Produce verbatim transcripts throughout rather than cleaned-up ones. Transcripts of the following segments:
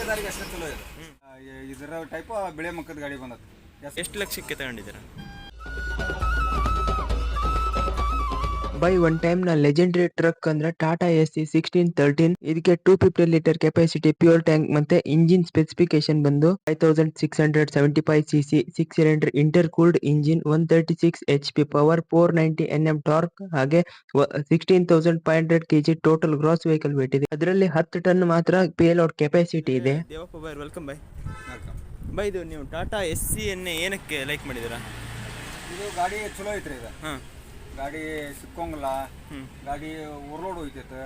ದಂಧೆದಾರಿಗೆ ಅಷ್ಟೇ ಚಲೋ ಇದೆ. ಇದರ ಟೈಪ್ ಬಿಳೆ ಮಕ್ಕದ ಗಾಡಿ ಬಂದದ್ದು. ಎಷ್ಟು ಲಕ್ಷಕ್ಕೆ ತಗೊಂಡಿದ್ದೀರಾ? ಬೈ ಒನ್ ಟೈಮ್ ನ ಲೆಜೆಂಡರಿ ಟ್ರಕ್ ಅಂದ್ರೆ Tata S C sixteen thirteen. ಇದಕ್ಕೆ two fifty litre capacity fuel tank ಮತ್ತೆ ಇಂಜಿನ್ ಸ್ಪೆಸಿಫಿಕೇಶನ್ ಬಂದು five thousand six hundred seventy five C C six cylinder intercooled engine, one thirty six H P power, four ninety N M torque, ಹಾಗೆ sixteen thousand five hundred KG total gross vehicle weight ಇದೆ. ಅದರಲ್ಲಿ ಹತ್ತು ton ಮಾತ್ರ payload capacity ಇದೆ. ದೇವಪ್ಪ ಬೈ, welcome ಬೈ. ಬೈ, ಇದು ನೀವು ಟಾಟಾ ಎಸ್ ಸಿ ಎನ್ನೇ ಏನಕ್ಕೆ ಲೈಕ್ ಮಾಡಿದ್ದೀರಾ? ಇದು ಗಾಡಿ ಚಲೋ ಐತ್ರಿ. ಇದು ಹಾಂ, ಗಾಡಿ ಸಿಕ್ಕೋಂಗಿಲ್ಲ, ಗಾಡಿ ಓವರ್ಲೋಡ್ ಹೋಯ್ತೈತೆ,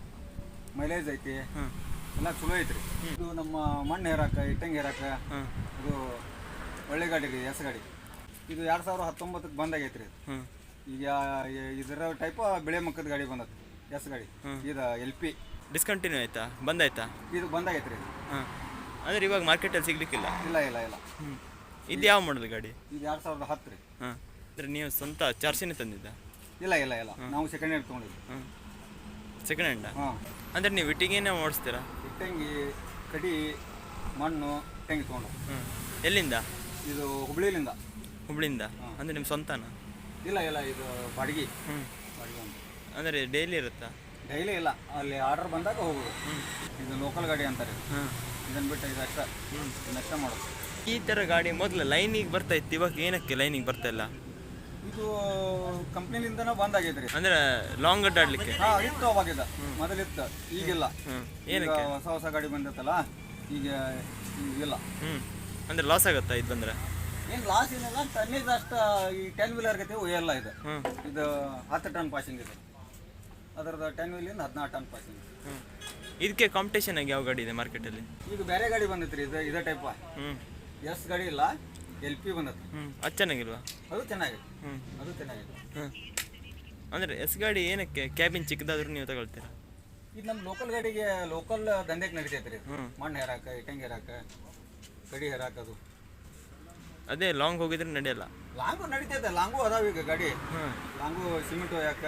ಮೈಲೇಜ್ ಐತಿ, ಎಲ್ಲ ಚಲೋ ಐತ್ರಿ. ಇದು ನಮ್ಮ ಮಣ್ಣು ಹೇರಾಕ, ಇಟ್ಟಂಗಿ ಹೇರಾಕ ಇದು ಒಳ್ಳೆ ಗಾಡಿ ರೀ, ಎಸ್ ಗಾಡಿ. ಇದು ಎರಡು ಸಾವಿರದ ಹತ್ತೊಂಬತ್ತಕ್ಕೆ ಬಂದಾಗೈತ್ರಿ. ಈಗ ಇದರ ಟೈಪ್ ಬಿಳೆ ಮಕ್ಕದ ಗಾಡಿ ಬಂದದ್ದು, ಎಸ್ ಗಾಡಿ. ಇದು ಎಲ್ ಪಿ ಡಿಸ್ಕಂಟಿನ್ಯೂ ಆಯ್ತಾ, ಬಂದಾಯ್ತಾ? ಇದು ಬಂದಾಗೈತ್ರಿ. ಹಾಂ, ಅಂದರೆ ಇವಾಗ ಮಾರ್ಕೆಟಲ್ಲಿ ಸಿಗ್ಲಿಕ್ಕಿಲ್ಲ? ಇಲ್ಲ ಇಲ್ಲ ಇಲ್ಲ. ಹ್ಞೂ, ಇದು ಯಾವ ಮಾಡಲ್ ಗಾಡಿ? ಇದು ಎರಡು ಸಾವಿರದ ಹತ್ತು ರೀ. ಹಾಂ, ಅಂದರೆ ನೀವು ಸ್ವಂತ ಚಾರ್ಸಿನೇ ತಂದಿದ್ದ? ಇಲ್ಲ ಇಲ್ಲ ಇಲ್ಲ, ನಾವು ಸೆಕೆಂಡ್ ಹ್ಯಾಂಡ್ ತೊಗೊಂಡಿದ್ವಿ. ಹಾಂ, ಸೆಕೆಂಡ್ ಹ್ಯಾಂಡಾ? ಹಾಂ. ಅಂದರೆ ನೀವು ಇಟ್ಟಿಗೆನೇ ಓಡಿಸ್ತೀರಾ? ಇಟ್ಟಂಗಿ, ಕಡಿ, ಮಣ್ಣು, ಇಟ್ಟಂಗಿ ತೊಗೊಂಡು. ಹ್ಞೂ, ಎಲ್ಲಿಂದ? ಇದು ಹುಬ್ಳಿಲಿಂದ. ಹುಬ್ಳಿಂದ? ಅಂದರೆ ನಿಮ್ಮ ಸ್ವಂತನಾ? ಇಲ್ಲ ಇಲ್ಲ, ಇದು ಬಾಡಿಗೆ. ಹ್ಞೂ, ಬಾಡಿಗೆ ಅಂತ. ಅಂದರೆ ಡೈಲಿ ಇರುತ್ತಾ? ಡೈಲಿ ಇಲ್ಲ, ಅಲ್ಲಿ ಆರ್ಡರ್ ಬಂದಾಗ ಹೋಗೋದು. ಇದು ಲೋಕಲ್ ಗಾಡಿ ಅಂತಾರೆ. ಹಾಂ, ಇದನ್ನು ಬಿಟ್ಟು ಇದು ಅಷ್ಟ ನಷ್ಟ ಮಾಡೋದು. ಈ ಥರ ಗಾಡಿ ಮೊದಲು ಲೈನಿಗೆ ಬರ್ತಾ ಇತ್ತು, ಇವಾಗ ಏನಕ್ಕೆ ಲೈನಿಗೆ ಬರ್ತಾ ಇಲ್ಲ? ಇದು ಕಂಪ್ನಿಲಿಂದನೇ ಬಂದಾಗೈತ್ರಿ. ಅಂದರೆ ಲಾಂಗ್ ಅಡ್ಡಾಡ್ಲಿಕ್ಕೆ? ಹಾಂ, ಇತ್ತು ಅವಾಗಿದ್ದ, ಮೊದಲಿತ್ತು, ಈಗಿಲ್ಲ. ಹ್ಞೂ, ಈಗ ಏನಕ್ಕೆ? ಹೊಸ ಹೊಸ ಗಾಡಿ ಬಂದಿತ್ತಲ್ಲ, ಈಗ ಈಗಿಲ್ಲ. ಹ್ಞೂ, ಅಂದರೆ ಲಾಸ್ ಆಗುತ್ತಾ ಇದು ಬಂದರೆ? ಏನು ಲಾಸ್ ಏನಿಲ್ಲ, ಟನ್ನೇಜ್ ಅಷ್ಟು ಈ ಟೆನ್ ವೀಲರ್ ಗತಿ ಒಯ್ಯಲ್ಲ. ಇದು ಹ್ಞೂ, ಇದು ಹತ್ತು ಟನ್ ಪಾಸಿಂಗ್ ಇದೆ. ಅದರದ್ದು ಟೆನ್ ವೀಲಿಂದ ಹದಿನಾರು ಟನ್ ಪಾಸಿಂಗ್. ಹ್ಞೂ, ಇದಕ್ಕೆ ಕಾಂಪಿಟೇಷನ್ ಆಗಿ ಯಾವ ಗಾಡಿ ಇದೆ ಮಾರ್ಕೆಟಲ್ಲಿ? ಈಗ ಬೇರೆ ಗಾಡಿ ಬಂದೈತ್ರಿ, ಇದು ಇದೇ ಟೈಪ್. ಹ್ಞೂ, ಎಸ್ ಗಾಡಿ ಇಲ್ಲ, ಎಲ್ ಪಿ ಬಂದೈತಿ. ಹ್ಞೂ, ಅದು ಚೆನ್ನಾಗಿಲ್ವಾ? ಅದು ಚೆನ್ನಾಗಿದೆ. ಹ್ಞೂ, ಅದು ಚೆನ್ನಾಗಿದೆ. ಹ್ಞೂ, ಅಂದರೆ ಎಸ್ ಗಾಡಿ ಏನಕ್ಕೆ ಕ್ಯಾಬಿನ್ ಚಿಕ್ಕದಾದ್ರೂ ನೀವು ತಗೊಳ್ತೀರಾ? ಇದು ನಮ್ಮ ಲೋಕಲ್ ಗಾಡಿಗೆ ಲೋಕಲ್ ದಂಧೆಗೆ ನಡಿತೈತ್ರಿ. ಹ್ಞೂ, ಮಣ್ಣು ಹೇರಾಕ, ಇಟ್ಟಂಗಿ ಹೇರಾಕ, ಕಡಿ ಹೇರಾಕದು. ಅದೇ ಲಾಂಗ್ ಹೋಗಿದ್ರೆ ನಡೆಯಲ್ಲ? ಲಾಂಗು ನಡಿತೈತೆ, ಲಾಂಗು ಅದಾವ ಈಗ ಗಾಡಿ. ಹ್ಞೂ, ಲಾಂಗು ಸಿಮೆಂಟ್ ಒಯ್ಯಾಕ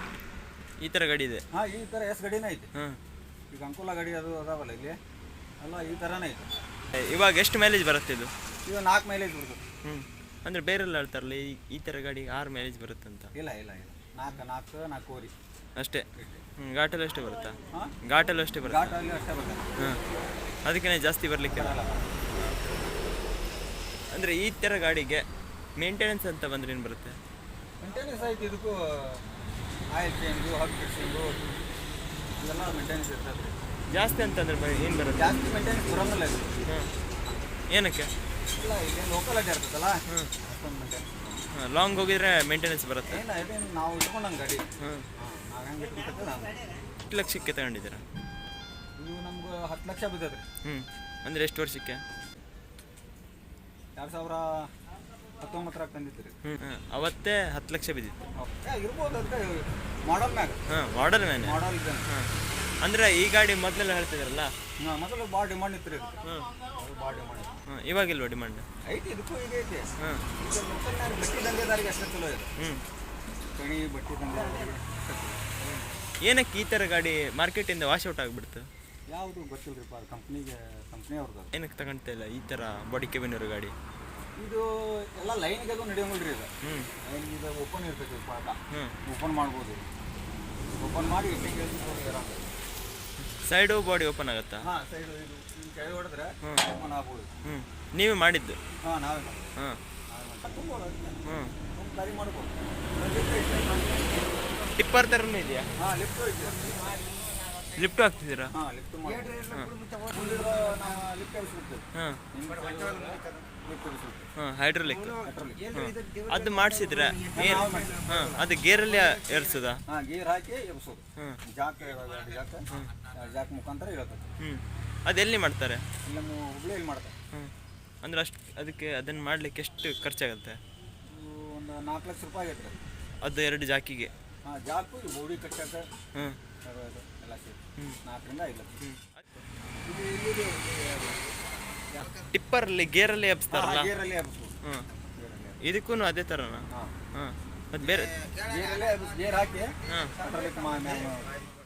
ಈ ಥರ ಗಾಡಿ ಇದೆ. ಹಾಂ, ಈ ಥರ ಎಸ್ ಗಾಡಿನೇ ಐತಿ. ಹ್ಞೂ, ಈಗ ಅಂಕುಲ ಗಾಡಿ ಅದು ಅದಾವಲ್ಲ ಇಲ್ಲಿ, ಅಲ್ಲ ಈ ಥರನೇ ಐತಿ. ಇವಾಗ ಎಷ್ಟು ಮೈಲೇಜ್ ಬರುತ್ತೆ ಇದು? ಇದು ನಾಲ್ಕು ಮೈಲೇಜ್ ಬರ್ತದೆ. ಹ್ಞೂ, ಅಂದರೆ ಬೇರೆಲ್ಲ ಹೇಳ್ತಾರಲ್ಲ ಈ ಈ ಥರ ಗಾಡಿ ಆರು ಮೈಲೇಜ್ ಬರುತ್ತೆ ಅಂತ? ಇಲ್ಲ ಇಲ್ಲ ಇಲ್ಲ, ನಾಲ್ಕು ನಾಲ್ಕು ನಾಲ್ಕೂವರೆ ಅಷ್ಟೇ. ಹ್ಞೂ, ಘಾಟಲ್ಲಿ ಅಷ್ಟೇ ಬರುತ್ತಾ? ಹಾಂ, ಘಾಟಲ್ಲಿ ಅಷ್ಟೇ ಬರುತ್ತೆ. ಘಾಟಲ್ಲಿ ಅಷ್ಟೇ ಬರ್ತದೆ. ಹಾಂ, ಅದಕ್ಕೆ ಜಾಸ್ತಿ ಬರಲಿಕ್ಕೆ ಬರಲ್ಲ. ಅಂದರೆ ಈ ಥರ ಗಾಡಿಗೆ ಮೇಂಟೆನೆನ್ಸ್ ಅಂತ ಬಂದರೆ ಏನು ಬರುತ್ತೆ? ಮೇಂಟೆನೆನ್ಸ್ ಐತಿ, ಇದಕ್ಕೂ ಆಯಿಲ್ ಚೇಂಜು, ಹಬ್ ಫಿಕ್ಸಿಂಗು ಇದೆಲ್ಲ ಮೇಂಟೆನೆನ್ಸ್ ಇರ್ತದೆ. ಜಾಸ್ತಿ ಅಂತಂದ್ರೆ ಏನು ಬರುತ್ತೆ? ಜಾಸ್ತಿ ಮೇಂಟೆನೆನ್ಸ್ ಬರೋಂಗಿಲ್ಲ ಇದು. ಹ್ಞೂ, ಏನಕ್ಕೆ? ಇಲ್ಲ, ಇಲ್ಲಿ ಲೋಕಲ್ ಅಡ್ಡಿ ಇರ್ತದಲ್ಲ. ಹ್ಞೂ, ಅಷ್ಟೊಂದು ಮೇಂಟೆನೆನ್ಸ್. ಹಾಂ, ಲಾಂಗ್ ಹೋಗಿದ್ರೆ ಮೇಂಟೆನೆನ್ಸ್ ಬರುತ್ತೆ? ಏನು ಇದೇನು ನಾವು ಇಟ್ಕೊಂಡಂಗೆ ಗಾಡಿ. ಹ್ಞೂ, ಹಾಂ, ನಾವು ಹೆಂಗೆ ಇಟ್ಕೊಂಡ್ರೆ ನಾವು. ಎಷ್ಟು ಲಕ್ಷಕ್ಕೆ ತಗೊಂಡಿದ್ದೀರಾ? ಇದು ನಮ್ಗೆ ಹತ್ತು ಲಕ್ಷ ಬಿದ್ದದ್ರಿ. ಹ್ಞೂ, ಅಂದರೆ ಎಷ್ಟು ವರ್ಷಕ್ಕೆ? ಎರಡು ಸಾವಿರ ಹತ್ತೊಂಬತ್ತರಾಗ ತಂದಿತ್ತು. ಹ್ಞೂ, ಅವತ್ತೇ ಹತ್ತು ಲಕ್ಷ ಬಿದ್ದಿತ್ತು. ಇರ್ಬೋದು, ಅದಕ್ಕೆ ಮಾಡಲ್ ಮ್ಯಾಗ. ಹಾಂ, ಮಾಡಲ್ ಮೇಲೆ. ಮಾಡಲ್ ಇದೆ. ಹಾಂ, ಅಂದರೆ ಈ ಗಾಡಿ ಮೊದಲೆಲ್ಲ ಹೇಳ್ತಿದ್ರಲ್ಲ? ಹಾಂ, ಮೊದಲು ಭಾಳ ಡಿಮಾಂಡ್ ಇತ್ತು ರೀ. ಹ್ಞೂ, ಭಾಳ ಡಿಮಾಂಡ್ ಇತ್ತು. ಹಾಂ, ಇವಾಗಿಲ್ವ ಡಿಮಾಂಡ್? ಐತಿ, ಇದಕ್ಕೂ ಈಗ ಐತಿ. ಹಾಂ, ಈಗ ಲೋಕಲ್ನಾಗ ಬಟ್ಟೆ ದಂಧೆದಾರಿಗೆ ಅಷ್ಟೇ ಚಲೋ ಇದೆ. ಹ್ಞೂ, ಕಣಿ ಬಟ್ಟೆ ದಂಧೆದಾರಿಗೆ ಅಷ್ಟೇ ಚಲೋ. ಏನಕ್ಕೆ ಈ ಥರ ಗಾಡಿ ಮಾರ್ಕೆಟಿಂದ ವಾಶ್ ಔಟ್ ಆಗಿಬಿಡ್ತು? ಯಾವುದು ಗೊತ್ತಿಲ್ಲರಿಪ್ಪ, ಅದು ಕಂಪ್ನಿಗೆ ಕಂಪ್ನಿಯವ್ರದ್ದು. ಏನಕ್ಕೆ ತಗೊಳ್ತಾ ಇಲ್ಲ ಈ ಥರ ಬಾಡಿ ಕೆಬಿನ್ ಇರೋ ಗಾಡಿ? ಇದು ಎಲ್ಲ ಲೈನ್ಗೆ ಅದು ನಡೆಯೋಂಗಿಲ್ಲ ರೀ. ಇದು ಹ್ಞೂ, ಲೈನ್ ಇದು ಓಪನ್ ಇರ್ತೈತಿ, ಪಾಠ ಹ್ಞೂ, ಓಪನ್ ಮಾಡ್ಬೋದು. ಓಪನ್ ಮಾಡಿ ಇಟ್ಟಿಗೆ ಸೈಡು ಬಾಡಿ ಓಪನ್ ಆಗುತ್ತಾ? ಹಾಂ, ಸೈಡ್ ಇದು ಈ ಕೈ ಹೊಡೆದ್ರೆ ಓಪನ್ ಆಗ್ಬೋದು. ಹ್ಞೂ, ನೀವೇ ಮಾಡಿದ್ದು? ಹಾಂ, ನಾವೇ ಹಾಂ, ಹ್ಞೂ, ಗಾಡಿ ಮಾಡ್ಬೋದು. ಟಿಪ್ಪರ್ ಥರನೂ ಇದೆಯಾ? ಹಾಂ, ಲಿಫ್ಟು ಐತಿ. ಲಿಫ್ಟು ಹಾಕ್ತಿದ್ದೀರಾ? ಹಾಂ, ಲಿಫ್ಟ್ ಮಾಡಿ ಮುಂದಿರೋ ನಾವು ಲಿಫ್ಟ್ ಎಬ್ಬಿಸ್ಬಿಡ್ತೀವಿ. ಹಾಂ, ಲಿಫ್ಟ್ ಎಬ್ಬಿಸ್ಬಿಡ್ತೀವಿ. ಹಾಂ, ಹೈಡ್ರೋಲಿಕ್. ಹೈಡ್ರಾಲಿಕ್. ಅದು ಮಾಡಿಸಿದ್ರೆ ಗೇರ್? ಹಾಂ, ಅದು ಗೇರಲ್ಲಿ ಏರ್ಸೋದಾ? ಹಾಂ, ಗೇರ್ ಹಾಕಿ ಎಬ್ಬಿಸೋದು. ಹ್ಞೂ, ಜಾಕ್ ಜಾಕ್ ಜಾಕ್ ಮುಖಾಂತರ ಇರುತ್ತೆ. ಹ್ಞೂ, ಅದೆಲ್ಲಿ ಮಾಡ್ತಾರೆ? ಇಲ್ಲಿ ನಮ್ಮ ಹುಬ್ಳಿಯಲ್ಲಿ ಮಾಡ್ತಾರೆ. ಹ್ಞೂ, ಅಂದ್ರೆ ಅಷ್ಟು ಅದಕ್ಕೆ ಅದನ್ನು ಮಾಡಲಿಕ್ಕೆ ಎಷ್ಟು ಖರ್ಚಾಗುತ್ತೆ? ಇದು ಒಂದು ನಾಲ್ಕು ಲಕ್ಷ ರೂಪಾಯಿ ಆಗೈತೆ ರೀ. ಅದು ಎರಡು ಜಾಕಿಗೆ? ಹಾಂ, ಜಾಕು ಇದು ಬೋಡಿ ಕಟ್ಟಕ್ಕೆ ಹ್ಞೂ, ಅದು ಇದು ಎಲ್ಲ ಸೇರಿ ಹ್ಞೂ, ನಾಲ್ಕರಿಂದ ಐದು ಲಕ್ಷ. ಹ್ಞೂ. ಇದು ಇಲ್ಲಿದೆ ಟಿಪ್ಪರಲ್ಲಿ ಗೇರಲ್ಲಿ ಎಬ್ಸ್ತಾರಲ್ಲ? ಗೇರಲ್ಲಿ ಎಬ್ಬಿಸ್ಬೋದು. ಹ್ಞೂ, ಗೇರಲ್ಲಿ ಇದಕ್ಕೂ ಅದೇ ಥರನಾ? ಹಾಂ, ಹಾಂ, ಮತ್ತು ಬೇರೆ ಗೇರಲ್ಲೇ ಎಬ್ಬಿಸಿ ಗೇರ್ ಹಾಕಿ ಹಾಂ, ಹೈಡ್ರಾಲಿಕ್ ಮಾ